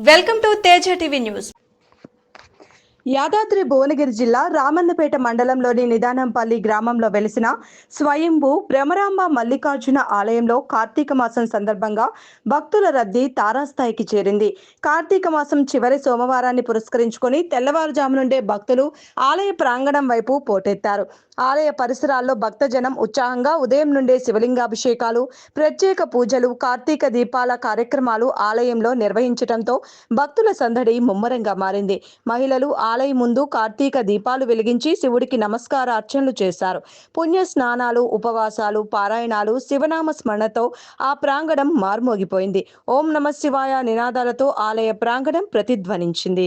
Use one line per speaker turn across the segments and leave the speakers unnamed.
Welcome to Teja TV news.
Yadadri Bhuvanagiri జిల్లా రామన్నపేట మండలంలోని నిదానంపల్లి గ్రామంలో వెలిసిన స్వయంభూ భ్రమరాంబ మల్లికార్జున ఆలయంలో కార్తీక మాసం సందర్భంగా భక్తుల రద్దీ తారాస్థాయికి చేరింది. కార్తీక మాసం చివరి సోమవారాన్ని పురస్కరించుకొని తెల్లవారుజాము నుండే భక్తులు ఆలయ ప్రాంగణం వైపు పోటెత్తారు. ఆలయ పరిసరాల్లో భక్తజనం ఉత్సాహంగా ఉదయం నుండే శివలింగాభిషేకాలు, ప్రత్యేక పూజలు, కార్తీక దీపాల కార్యక్రమాలు ఆలయంలో నిర్వహించడంతో భక్తుల సందడి ముమ్మరంగా మారింది. మహిళలు ఆలయం ముందు కార్తీక దీపాలు వెలిగించి శివుడికి నమస్కారార్చనలు చేశారు. పుణ్య స్నానాలు, ఉపవాసాలు, పారాయణాలు, శివనామ స్మరణతో ఆ ప్రాంగణం మార్మోగిపోయింది. ఓం నమ శివాయ నినాదాలతో ఆలయ ప్రాంగణం ప్రతిధ్వనించింది.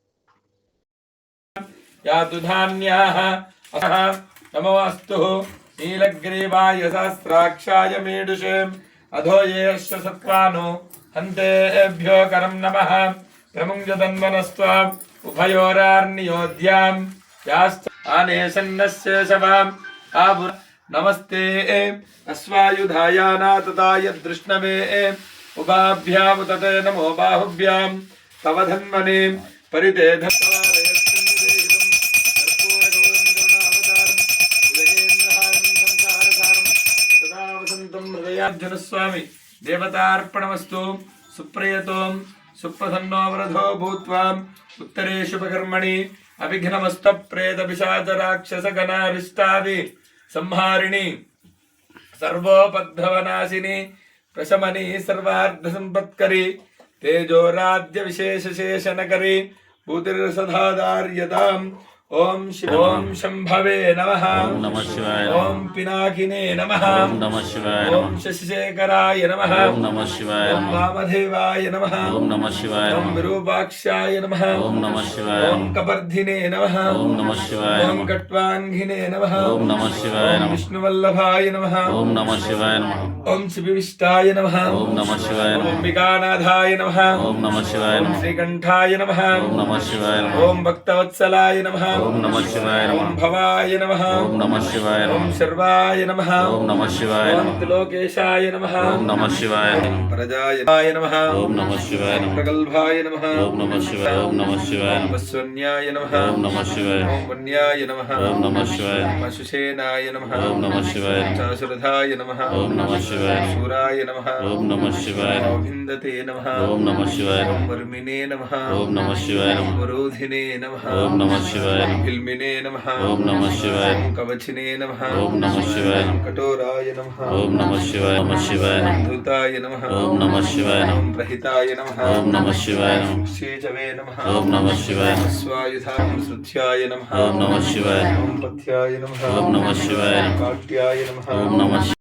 नमोऽस्तु नीलग्रीवाय सहस्राक्षाय मीडुषे अधो येश्च सत्त्वानो हन्तेभ्यो करं नमः प्रमुञ्जतन्वनस्त्वा उभयोरार्नियोध्यां याश्च आनेशन्नस्य शवाम् आभुर नमस्ते अश्वायुधायानातताय दृष्णवे उभाभ्यामुतते नमो बाहुभ्यां तव धन्वने परितेध स्वामी देवतार्पणमस्तु सुप्रयतो सुप्रसन्नो वरधो भूत्वा उत्तरेषु उपकर्मणि अभिघ्नमस्तप्रेतपिशाचराक्षसगणारिष्टादि संहारिणि सर्वोपद्रवनाशिनि प्रशमनि सर्वार्धसम्पत्करि तेजोराद्य विशेषशेषनकरि भूतिर्सधादार्यताम् ओम शंभवे नमः।
ओम नमः शिवाय।
ओम पिनाकिने नमः।
ओम नमः शिवाय।
ओम शशिशेखराय नमः।
ओम नमः शिवाय।
ओम वामदेवाय नमः।
ओम नमः शिवाय।
ओम विरूपाक्षाय नमः।
ओम नमः शिवाय।
ओम कपर्धिने नमः।
ओम नमः शिवाय।
ओम कट्वांगिने नमः।
ओम नमः शिवाय।
ओम विष्णुवल्लभाय नमः।
ओम नमः शिवाय।
ओम शिविष्टाय नमः।
ओम नमः शिवाय।
ओम अंबिकानाथाय नमः।
ओम नमः शिवाय।
ओम श्रीकंठाय नमः।
ओम नमः शिवाय।
ओम भक्तवत्सलाय नमः।
ओम नमः शिवाय।
ओम भवाय नमः।
ओम नमः शिवाय।
ओम शर्वाय नमः।
ओम नमः शिवाय।
ओम त्रिलोकेशाय नमः।
ओम नमः शिवाय।
ओम प्रजाय नमः।
ओम नमः शिवाय।
प्रगल्भाय नमः।
ओम नमः शिवाय। ओम नमः शिवाय।
ओम वस्वन्याय नमः।
ओम नमः शिवाय।
ओम वन्याय नमः।
ओम नमः शिवाय।
ओम अशुषेनाय नमः।
ओम नमः शिवाय।
चाशुरथाय नमः।
ओम नमः शिवाय।
शूराय नमः।
ओम नमः शिवाय।
अभिन्दते नमः।
ओम नमः शिवाय।
ओम वर्मिने नमः।
ओम नमः शिवाय।
वरोधिने नमः।
ओम नमः शिवाय।
हिल्मिने नमः।
ओम नमः शिवाय।
ओम कवचिने नमः।
ओम नमः शिवाय।
कठोराय नमः।
ओम नमः शिवाय। नमः शिवाय।
धूताय नमः।
ओम नमः शिवाय।
ओम प्रहिताय नमः।
ओम नमः शिवाय।
शेचवे नमः।
ओम नमः शिवाय।
स्वायुधां श्रुत्याय नमः।
ओम नमः शिवाय।
ओम पथ्याय नमः।
ओम नमः शिवाय।
काट्याय नमः।
ओम नमः